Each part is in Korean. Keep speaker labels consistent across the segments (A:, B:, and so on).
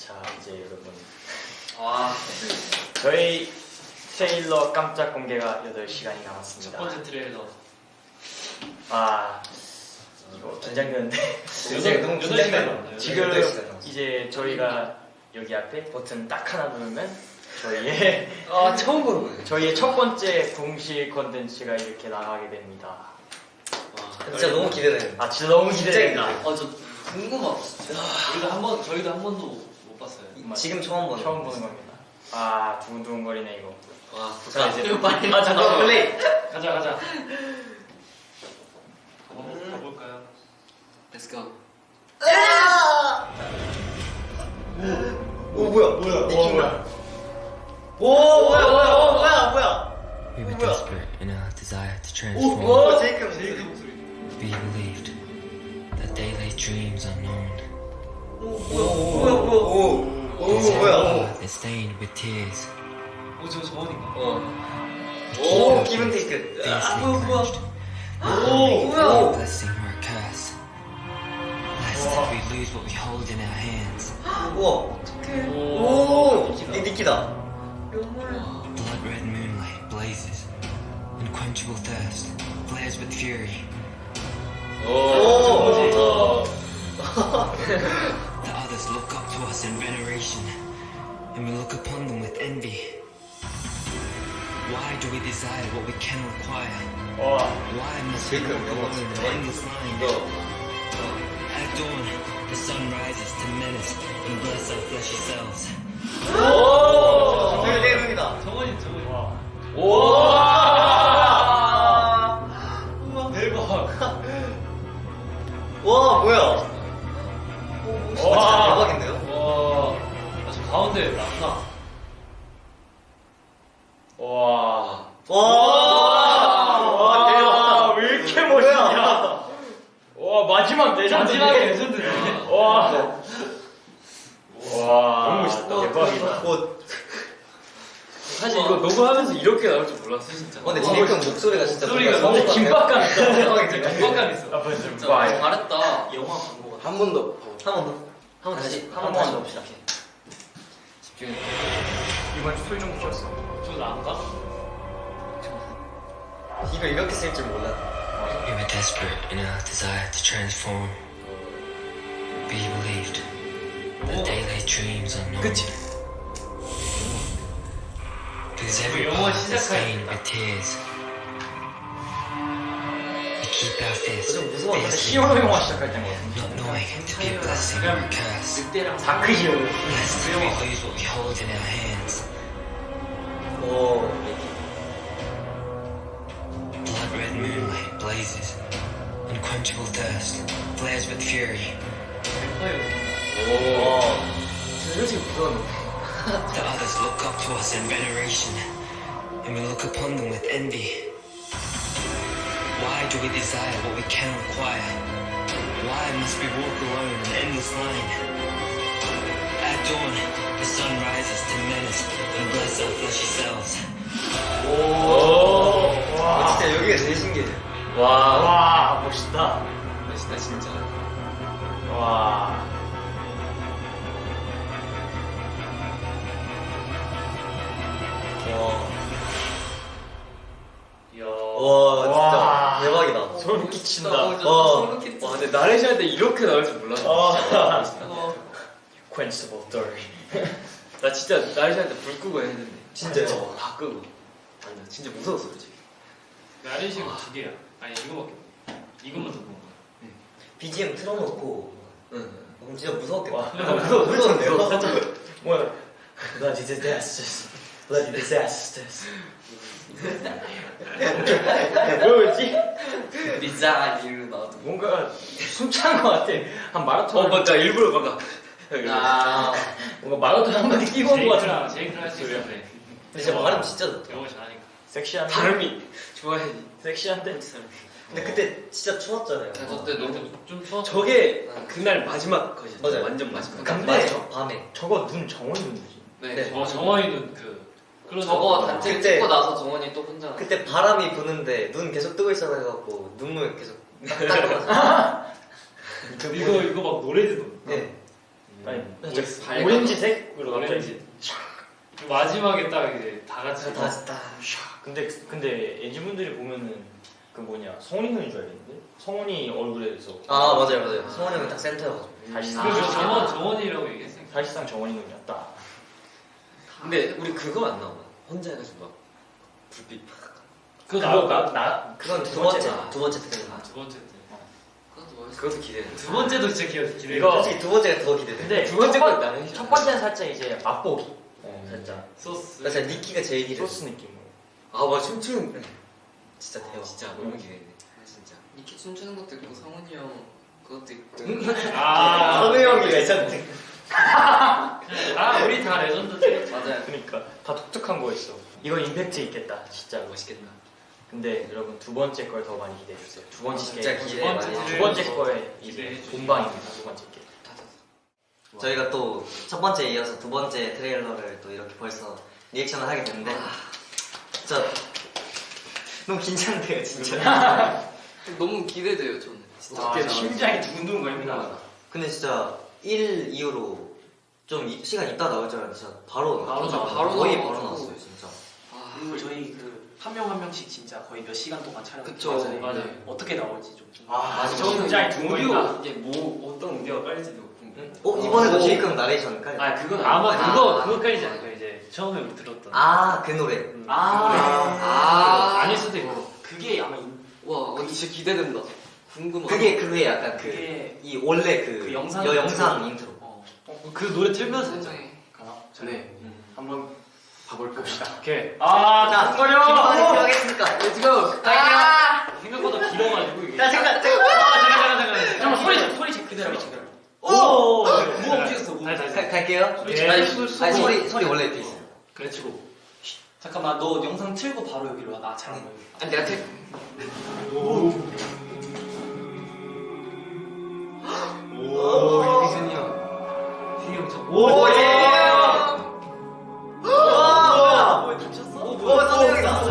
A: 자 이제 여러분
B: 와,
A: 저희 트레일러 깜짝 공개가 8시간이 남았습니다.
B: 첫 번째 트레일러.
A: 아 이거 긴장되는데
C: 너무 긴장돼요.
A: 지금
C: 8시간 남았어요.
A: 이제 저희가 여기 앞에 버튼 딱 하나 누르면 저희의
C: 아 처음 보는 거예요.
A: 저희의 첫 번째 공식 컨텐츠가 이렇게 나가게 됩니다.
B: 와,
C: 진짜 너무 기대돼요.
A: 아 진짜 너무 기대됩니다.
B: 저 궁금하다. 진짜. 저희도 한 번도 못 봤어요.
C: 지금 처음 보는
A: 처음 보는 겁니다. 아 두근두근거리네 이거.
B: 와,
A: 자 이제
B: 이거 빨리.
A: 아 잠깐만
C: 플레이.
B: 가자. 가볼까요? Let's go.
C: 오 뭐야?
A: 오 뭐야?
C: 오 뭐야?
D: We were desperate in our desire to
C: 오
D: transform.
C: 제이크
B: 제이크 목소리.
D: We believed that they lay dreams unknown.
C: 오 뭐야?
D: They're stained with tears.
B: 저 정원인가?
C: 오 기분 테이크.
D: Fiercely clenched.
C: 오
D: Blessing or a curse. Lest we lose what we hold in our hands.
C: 우와. 오 니키다.
D: Blood red moonlight blazes. Unquenchable thirst flares with fury.
C: 오.
D: The others look up to us in veneration, and we look upon them with envy. Why do we desire what we can acquire?
A: 와
D: Why must we
C: 제이크
D: walk
C: 영어
D: alone in
C: 진짜
D: endless line? At dawn, the sun rises to menace and bless our fleshy selves.
C: 오 대박이다.
B: 정원이. 대박.
C: 와 뭐야?
A: 와.
C: 대박인데요?
B: 와, 저 가운데 라나.
A: 와.
C: 와 대박.
A: 왜 이렇게 멋있냐? 와 마지막 레전드.
B: 마지막에 레전드네.
A: 와. 와.
C: 너무 멋있다.
A: 대박이다.
B: 사실 이거 녹음하면서 이렇게 나올 줄 몰랐어 진짜.
C: 근데 제이크 목소리가 진짜
B: 목소리가
C: 뭔가
B: 너무
A: 김밥감 있다.
C: 대박이다.
B: 긴박감 있어.
A: 아 벌써
B: 진짜
A: 와.
B: 잘했다. 영화 광고 같아.
C: 한 번 더. 한 번 다시 봅시다.
B: 집중해.
A: 이번 주 소리 좀 붙였어.
B: 저 나갈까?
C: 이거 이렇게 쓸 줄 몰라.
D: We were desperate in our desire to transform. We believed that they lay dreams unknown.
C: 그치?
D: Because every
B: 영어
D: path is stained
B: 시작하니까.
D: with tears. We keep our fists
C: 좀 무서웠는데
D: fiercely
A: 히어로 영화
D: clenched,
A: 시작할 때인 것 같은데.
D: not knowing to be a blessing or a curse.
B: 늑대랑
A: 다크 히어로.
D: Lest we lose what we hold in our hands.
C: 오.
D: Blood red moonlight blazes. Unquenchable thirst flares with fury.
C: 와. 솔직히 무서웠는데.
D: The others look up to us in veneration, and we look upon them with envy. Why do we desire what we can acquire? Why must we walk alone in endless line? At dawn, the sun rises to menace and bless our fleshy selves.
C: 진짜 여기가 제일 신기해.
A: 와 멋있다.
B: 멋있다 진짜.
A: 와.
B: 이야.
C: 와 진짜
A: 와.
C: 대박이다.
A: 소름 끼친다.
C: 와.
B: 와, 근데 나레시 할때 이렇게 나올 줄 몰랐어.
A: 아.
B: 진짜.
A: Quenchable Thirst.
B: 나 진짜 나레시 할때 불 끄고 했는데.
C: 진짜요?
B: 다 끄고. 아니, 나 진짜 무서웠어, 솔직히.
E: 나레시가 2개야. 아니 이거밖에 없어. 이것만 더 본 거야.
C: BGM 틀어놓고.
B: 응.
C: 그럼 진짜 무서웠겠다.
A: 와.
C: 무서운데요?
A: 뭐야? Bloody disasters. Bloody disasters. 뭐였지?
B: 리자 이로 나와도.
A: 뭔가 숨찬 것 같아. 한 마라톤.
B: 맞다. 일부러 막.
C: 아.
A: 뭔가 마라톤 한 바퀴 뛰고 온 것 같아.
E: 제이크랑 할수 있어. 그래.
C: 근데 진짜 발음 진짜 좋다.
E: 영어 잘하니까.
A: 섹시한데.
B: 발음이 좋아해야지.
A: 섹시한데.
C: 근데 그때 진짜 추웠잖아요.
B: 저때 너무 좀 추워.
E: 저게 그날 마지막 컷이었어.
C: 맞아요.
B: 완전 마지막.
A: 근데
C: 맞아. 밤에.
A: 저거 눈 정원 눈이지.
B: 네.
E: 정원이는 그 클로즈.
B: 저거 단체
C: 그때-
B: 찍고 나서 정원이 또 혼자.
C: 그때 바람이 부는데 눈 계속 뜨고 있어 해갖고 눈물 계속 닦아가지고.
E: 이거 막 노래 듣는.
C: 네.
A: 아니
B: 밝아.
A: 오렌지색으로 갑자기
E: 오렌지. 마지막에 딱 이제 다 같이
C: 다 다.
A: 근데 엔지분들이 보면은 그 뭐냐 성훈이 형인 줄 알겠는데 성훈이 얼굴에서
C: 아 맞아요. 성원이 형이 딱 센터여가지고.
A: 사실상
E: 그래서 정원이라고 얘기했어요.
A: 사실상 정원이 형이었다.
B: 근데 우리 그거 안 나오나? 혼자 해가지고 막 불빛 팍.
A: 그거 나
C: 그건
A: 두
C: 두 번째
A: 번째다.
C: 두 번째 트레일러.
E: 두 번째 때.
B: 그것도 멋있어. 그것도 기대돼.
E: 두 번째도 진짜 기대.
A: 이거-
C: 솔직히 두 번째가 더 기대돼.
A: 근데
B: 두 번째
A: 첫 번-
B: 건 나는
A: 첫 번째는 살짝 이제 맛보기 살짝
E: 소스.
C: 나 진짜 니키가 제일 기대.
A: 소스 느낌으로.
B: 아, 맞아. 춤추는.
C: 진짜 대박.
B: 진짜 너무 기대돼. 진짜.
F: 이렇게 춤추는 것도 있고 성훈이 형 그것도 있고
E: 아,
C: 성우 형이 레전드.
E: 우리 다 레전드지.
F: 맞아요.
A: 그러니까 다 독특한 거였어. 이거 임팩트 있겠다 진짜로.
B: 멋있겠다.
A: 근데 여러분 두 번째 걸 더 많이 기대해 주세요. 두 번째
C: 진짜
A: 게
C: 기대 많이
A: 두
C: 해주세요.
A: 번째 거에
E: 기대해
A: 이제
E: 주세요.
A: 본방입니다. 두 번째 게.
C: 저희가 또 첫 번째에 이어서 두 번째 트레일러를 또 이렇게 벌써 리액션을 하게 됐는데 진짜 너무 긴장돼요 진짜.
F: 너무 기대돼요 저는. 진짜.
A: 아, 심장이 두근두근 거립니다.
C: 근데 진짜 1 이후로 좀 시간 있다 나올 줄 알았는데 진짜 바로
E: 바로
C: 나왔어요.
E: 나와.
F: 바로
C: 거의
F: 나와가지고.
C: 바로 나왔어요 진짜.
F: 아,
G: 그리고 저희 그 한 명 한 명씩 진짜 거의 몇 시간 동안 촬영.
F: 그쵸.
E: 맞아요.
G: 어떻게 나올지 좀.
A: 맞아.
E: 저는
A: 심장이 두근두근.
B: 이게 뭐, 어떤 오디오가 깔릴지도 궁금해.
C: 이번에도 제이크 형 나레이션 깔.
G: 아 그건
E: 아마
C: 아.
E: 그거까지 않을까 이제 처음에 우리 들었던.
C: 그 노래.
E: 아닐 수도 있고.
G: 그게 아마
F: 와 근데 진짜 기대된다. 궁금하다.
C: 그게 약간 그
G: 그게
C: 이 원래
G: 그 영상
C: 영상 인트로.
E: 그 노래 틀면서 했잖아.
F: 세상에.
G: 가나?
B: 네.
G: 한번 봐볼까?
E: 오케이.
C: 자,
E: 두근거려.
C: 필요하겠습니까?
F: Let's go.
E: 생각보다 길어가지고 이게.
C: 잠깐.
E: 잠깐 소리
G: 그대로.
C: 오!
G: 뭐 움직였어? 뭐
E: 다시.
C: 갈게요.
E: 예.
C: 아니, 소리 원래 이렇게 있어요.
G: 그렇지고. 잠깐만 너 영상 틀고 바로 여기로 와. 나 잘한 거야.
F: 아니 내가 태.
C: 오, 이승이 형.
E: 오,
C: 와!
G: 다쳤어?
C: 오, 선영이다.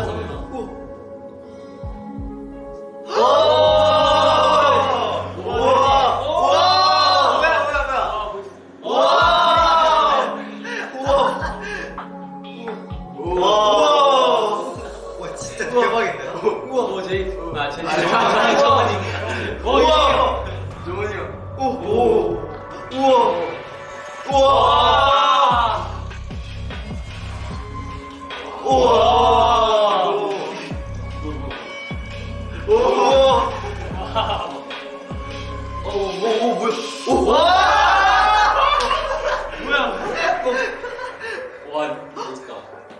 C: 와, 진짜 대박인데요?
G: 우와 제이. 아 제이.
C: 정원이 형. 우와.
G: 와 멋있다.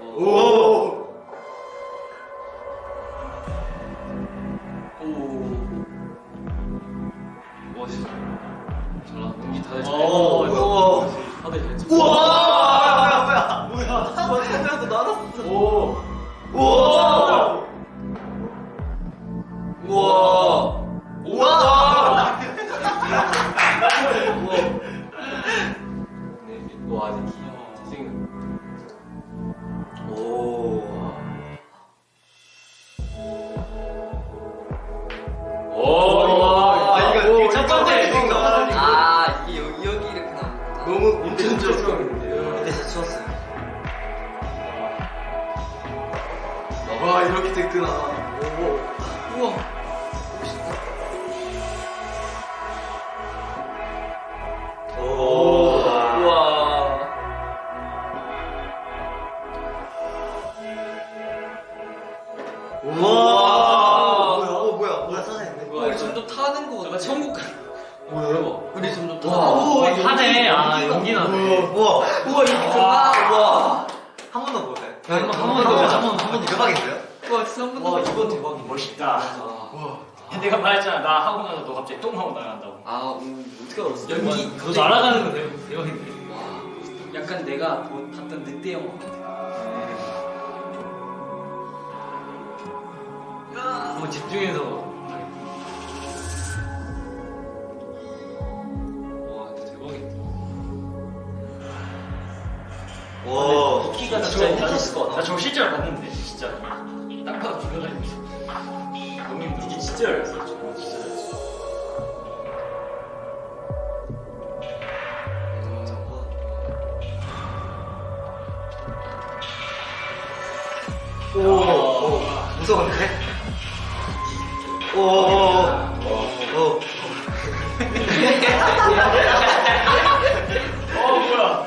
E: 멋있어. 저랑 연기 다들 잘. 다들 잘 찍고. 와, 아직 잘생긴.
C: 이거
E: 첫 번째.
F: 아 이게 여기 이렇게 나오는
C: 너무
B: 엄청 좋았는데요.
C: 이때 진짜 추웠어요.
B: 와, 이렇게 됐구나.
F: 우와.
B: 우와.
C: 뭐야 사장님.
F: 우리 점점 타는 거 같아.
E: 천국 가.
F: 우리 점점
C: 와.
F: 타는
E: 하네. 연기 나네.
C: 우와 이렇게 우와 한 번 더 볼까요? 한번 대박인데요?
F: 와 진짜 한 번도.
G: 이건 대박이야.
A: 멋있다. 내가 말했잖아. 나 하고 나서 너 갑자기 똥 하고 나간다고.
F: 아
B: 어떻게 알았어?
F: 연기.
E: 너 날아가는 거 대박인데.
G: 약간 내가 봤던 늑대 영화 같아.
E: 한번 집중해서. 와, 진짜 대박이다.
C: 와
G: 키가
A: 진짜
G: 진짜
A: 힘들었을 것 같아. 나 저거 실제로 봤는데 진짜. 딱 봐도 불러다니는 거. 너무 힘들어. 이게 진짜 열렸어. 저거 진짜 열렸어.
C: 오. 무서운데? 오.
A: 뭐야?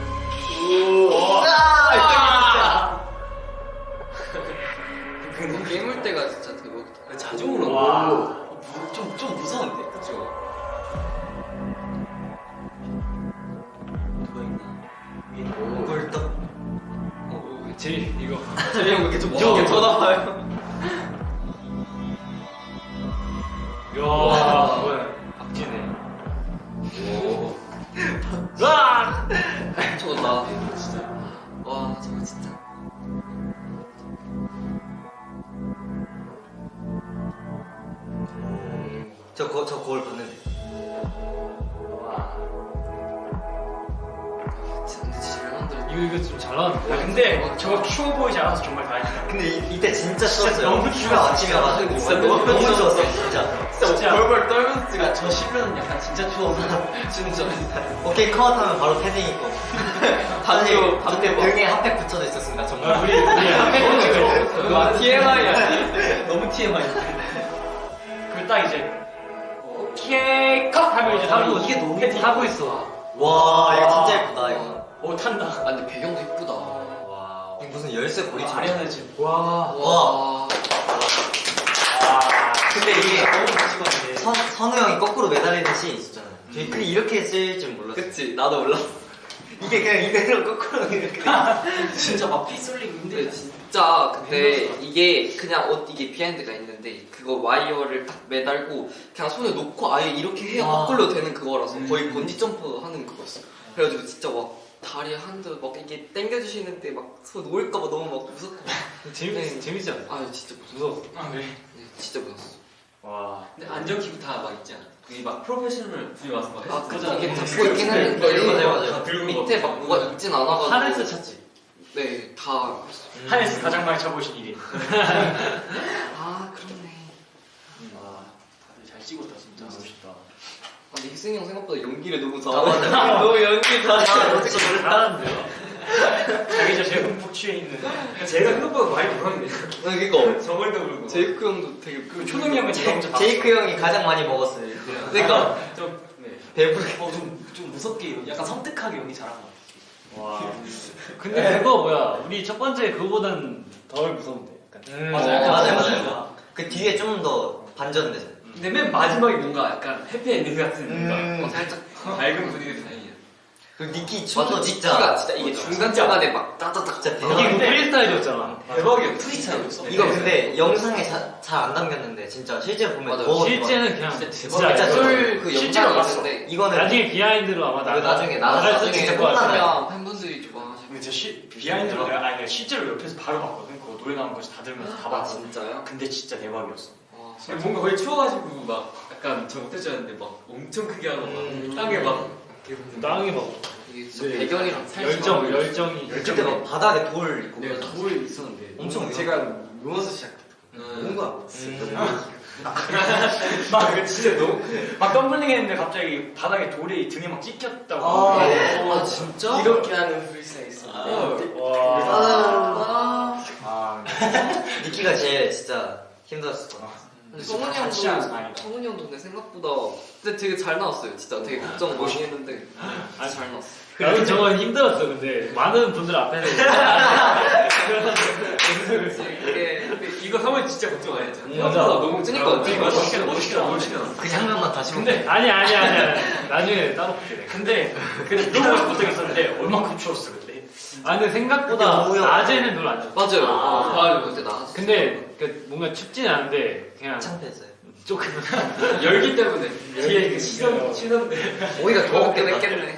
F: 그 깨물 때가 진짜 대박이다.
B: 자주 오는
A: 와.
B: 거. 좀 무서운데, 그쵸?
C: 누가 있나? 꿀떡.
E: 제일 이거
F: 재미 형 왜 이렇게 좀 무섭게 쳐다봐요?
E: 야 뭐야 박진해. 와
F: 저거 나 진짜. 와 저거 진짜.
C: 저 거울 봤는데.
F: 근데 진짜 잘 만들었다.
E: 이거 좀 잘 나왔는데.
A: 야, 근데 저거 추워 보이지 않아서 정말 다행이다.
C: 근데 이때 진짜 추웠어요.
A: 너무
C: 휴가 아침이어가지고
F: 진짜
C: 너무
F: 너무
C: 추웠어요, 진짜.
A: 진짜.
F: 벌벌 떨면서 찍어. 저 실면 약간 진짜 추워서. 진짜.
C: 오케이 컷하면 바로 패딩 입고.
F: 반대로,
C: 그때 등에 핫팩 붙여져 있었습니다, 정말.
A: 우리 한번 찍어.
F: 와 TMI야. 너무 TMI.
A: 그딱 이제 오케이 컷 하면 이제 하고
F: 이게 너무
A: 패딩 하고 있어.
C: 와, 이거 진짜 예쁘다, 이거.
A: 오 탄다.
F: 아 근데 배경도 이쁘다.
C: 와. 이거 무슨 열쇠 고리처럼.
A: 아련해지. 와.
C: 와. 근데 이게
F: 너무 멋있었는데.
C: 선우 형이 거꾸로 매달리는 씬이 있었잖아요. 근데 이렇게 쓸 줄 몰랐어요.
F: 그치 나도 몰랐어.
C: 이게 그냥 이대로 거꾸로 이렇게 돼.
B: 진짜 막 피 쏠리고
F: 근데
B: 힘들다.
F: 진짜 근데 이게 그냥 이게 비하인드가 있는데 그거 와이어를 딱 매달고 그냥 손에 놓고 아예 이렇게 해야 거꾸로 되는 그거라서 거의 번지 점프 하는 그거였어. 그래가지고 진짜 막 다리 한대 막 이게 당겨주시는데 막 손 놓을까봐 너무 막 무섭고.
E: 재밌지 않아?
F: 아 진짜
E: 무서워.
A: 아 네.
F: 네, 진짜 무서웠어.
A: 와.
B: 근데 안전키고 다 막 있지 않아? 그게 막 프로페셔널 분이 와서 막
F: 아
B: 했어.
F: 이게 잡고 있긴 했는데
C: 맞아요.
B: 들고
F: 밑에 막 뭐가 있진 않아가지고.
A: 하네스 찾지.
F: 네다
A: 하네스 가장 많이 쳐보신 일이.
F: 아 그렇네.
A: 와. 다들 잘 찍었다 진짜. 멋있다.
F: 아, 근데 희승이 형 생각보다 연기를 너무
C: 아, 맞아.
F: 너무 연기 잘해.
A: 잘하는데요? 자기 저 제일 흠뻑 취해 있는.
B: 제가 생각보다 많이 불었네.
F: 그니까
B: 저번에도 그러고.
F: 제이크 형도 되게
A: 그 초동이 형은 제가 먼저 봤어.
C: 제이크 형이 가장 많이 먹었어요.
F: 그러니까
B: 좀 네.
C: 배부르게.
B: 좀 무섭게 약간 섬뜩하게 연기 잘한 것 같아.
A: 와. 근데 그거 뭐야? 우리 첫 번째 그거보단 덜 무서운데. 약간.
C: 맞아요. 그 뒤에 좀 더 반전되죠.
B: 근데 맨 마지막에 뭔가 약간 해피엔딩 같은 뭔가
F: 살짝
B: 밝은 분위기 다행이야.
C: 그 니키
F: 맞아
C: 춤도
F: 니키가
C: 진짜.
F: 진짜 이게 중간중간에 막 따다닥
C: 진짜
A: 이게
C: 대박.
A: 그 프리스타일이었잖아.
B: 대박이야. 프리스타일이었어.
C: 이거 근데 영상에 잘 안 담겼는데 진짜 실제로 보면
F: 맞아.
C: 더
A: 실제는 그냥
B: 진짜
A: 진짜
C: 진짜
F: 술 그
A: 실제로
F: 영상이
A: 봤어.
F: 있는데
C: 이거는
A: 나중에 비하인드로 아마
C: 이거 나중에 나가서
A: 나갈 수
C: 진짜
A: 있을 것 같아.
C: 끝나면
F: 그냥 팬분들이 좋아하시고.
A: 근데 저 비하인드로 내가 아니 실제로 옆에서 바로 봤거든. 그거 노래 나오는 거지 다 들으면서 다
F: 아
A: 봤거든.
F: 진짜요?
A: 근데 진짜 대박이었어.
F: 와,
B: 뭔가 거의 추워가지고 막 약간 저 못해줬는데 막 엄청 크게 하고 막 땅에 막 이렇게
A: 땅에 막
F: 이게 진짜
A: 네.
F: 배경이랑 살짝
A: 열정이
C: 그때 막 바닥에 돌 있고
B: 내가 돌 있었는데
C: 엄청
B: 제가 누워서 시작했거든.
C: 뭔가
A: 막 이거 진짜 너무 막 덤블링 했는데 갑자기 바닥에 돌이 등에 막 찍혔다고.
F: 아 진짜?
B: 이렇게 하는 프리스타일 있었는데
A: 와.
F: 아.
C: 니키가 제일 진짜 힘들었을 것 같아.
F: 근데 성훈이
A: 같이 하는
F: 형도
A: 사이다.
F: 성훈이 형도 근데 생각보다 근데 되게 잘 나왔어요. 진짜 되게 걱정 많이 했는데
A: 아니,
F: 잘 나왔어.
A: 나도 저건 힘들었어. 근데 많은 분들 앞에서
F: 이게
B: 이거 하면 진짜 걱정 안 했잖아.
A: 맞아.
B: 너무
F: 그니까
B: 되게 멋있게
C: 그 장면만 다시 보면
A: 근데 아니 나중에 따로 볼게 내가. 근데 물어보고 싶은 적 있었는데 얼만큼 추웠어 그때. 아 근데 생각보다
C: 그때 오후였-
A: 낮에는 별로 안 추웠어.
F: 맞아요.
A: 아.
F: 맞아요. 그때 나왔어.
A: 근데 그 뭔가 춥진 않은데 그냥
C: 창피했어요.
A: 조금
B: 열기 때문에 뒤에 그
A: 시선-
B: 시선들
F: 오히려 더 먹긴 했겠네.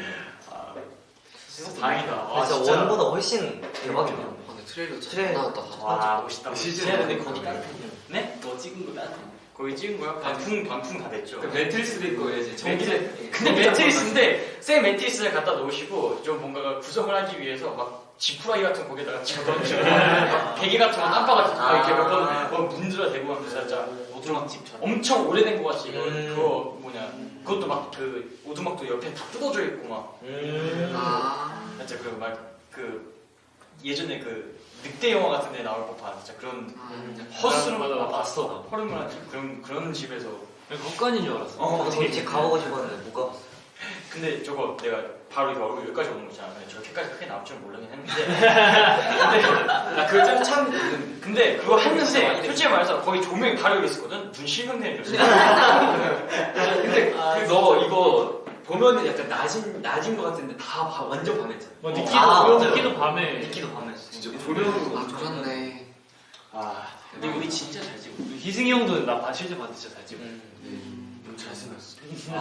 A: 다행이다. 와,
C: 진짜 원보다 훨씬 대박이네요.
F: 아, 근데 트레일러 잘
C: 트레일러.
F: 나왔다.
A: 와 멋있다.
B: 시즌 근데 거기 따뜻해.
A: 네?
B: 너 찍은 거 따뜻해.
A: 거기 찍은 거야? 반풍 다 됐죠.
B: 그 매트리스도 있고 이제
A: 근데 매트리스인데 새 매트리스를 갖다 놓으시고 좀 뭔가 구성을 하기 위해서 막 지푸라기 같은 거 거기다가 집어던지고 막 베개 같은 거 땀바 같은 거 이렇게 몇번 문드러 대고 하면서 진짜
B: 오두막집처럼.
A: 엄청 오래된 거 같이 이거
C: 음.
A: 그거 뭐냐 그것도 막 그 오두막도 옆에 다 뜯어져 있고 막
F: 아.
A: 진짜 그 막 그 예전에 그 늑대 영화 같은 데 나올 법한 진짜 그런
E: 맞아,
A: 허스름하고
E: 봤어 나.
A: 허름한 그런 집에서.
E: 헛간인 줄 알았어.
C: 저 진짜 가보고 싶었는데 못 가봤어.
A: 근데 저거 내가 바로 이렇게 얼굴 여기까지 오는 거 있잖아. 근데 저렇게까지 크게 나올 줄 모르긴 했는데. 근데
B: 그걸 참 있는.
A: 근데 그거 했는데 솔직히 말해서 거의 조명이 바로 여기 있었거든. 눈 실명되는 줄 알았어.
B: 근데 너 이거 보면은 약간 낮인 것 같은데 다 완전 밤했잖아.
E: 뭐 니키도
C: 맞아요.
E: 니키도 밤에.
C: 니키도 밤했어.
B: 진짜 조명으로
F: 아 그렇네.
A: 아,
E: 근데 우리 진짜 잘 찍어. 희승이 형도 나 실제 봤는데 진짜 잘 찍어.
B: 너무 잘생겼어.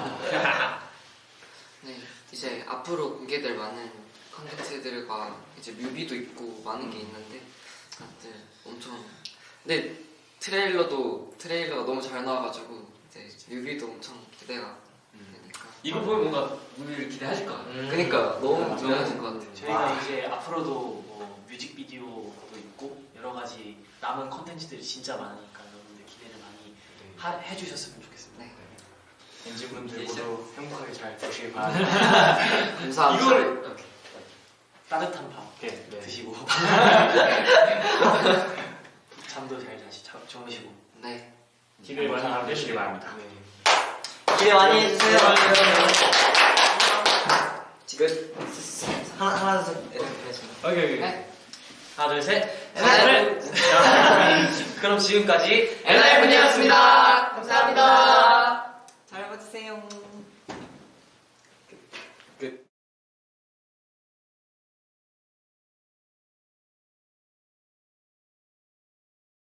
F: 네, 이제 앞으로 공개될 많은 컨텐츠들과 이제 뮤비도 있고 많은 게 있는데 다들 엄청 근데 트레일러가 너무 잘 나와가지고 이제 뮤비도 엄청 기대가 되니까
B: 이거 보면 뭔가 우리를 기대하실 것 같아.
F: 그러니까 너무 좋아하실 것 같아요.
G: 저희가 이제 앞으로도 뭐 뮤직비디오도 있고 여러 가지 남은 컨텐츠들이 진짜 많으니까 여러분들 기대를 많이 해주셨으면 좋겠습니다.
F: 네.
A: 엔진분들 모두 행복하게 잘 보시길 바랍니다.
F: 감사합니다.
B: 이거를
G: 따뜻한 밥
E: 네.
G: 드시고 잠도 잘 주무시고
F: 네.
E: 기대 많이
A: 해주시기 바랍니다.
C: 기대 많이 해주세요.
F: 지금
C: 하나 둘 셋. 알겠습니다.
E: 오케이.
F: 네.
G: 하나 둘 셋.
F: 네.
G: 그럼 지금까지
F: 엔하이픈이었습니다.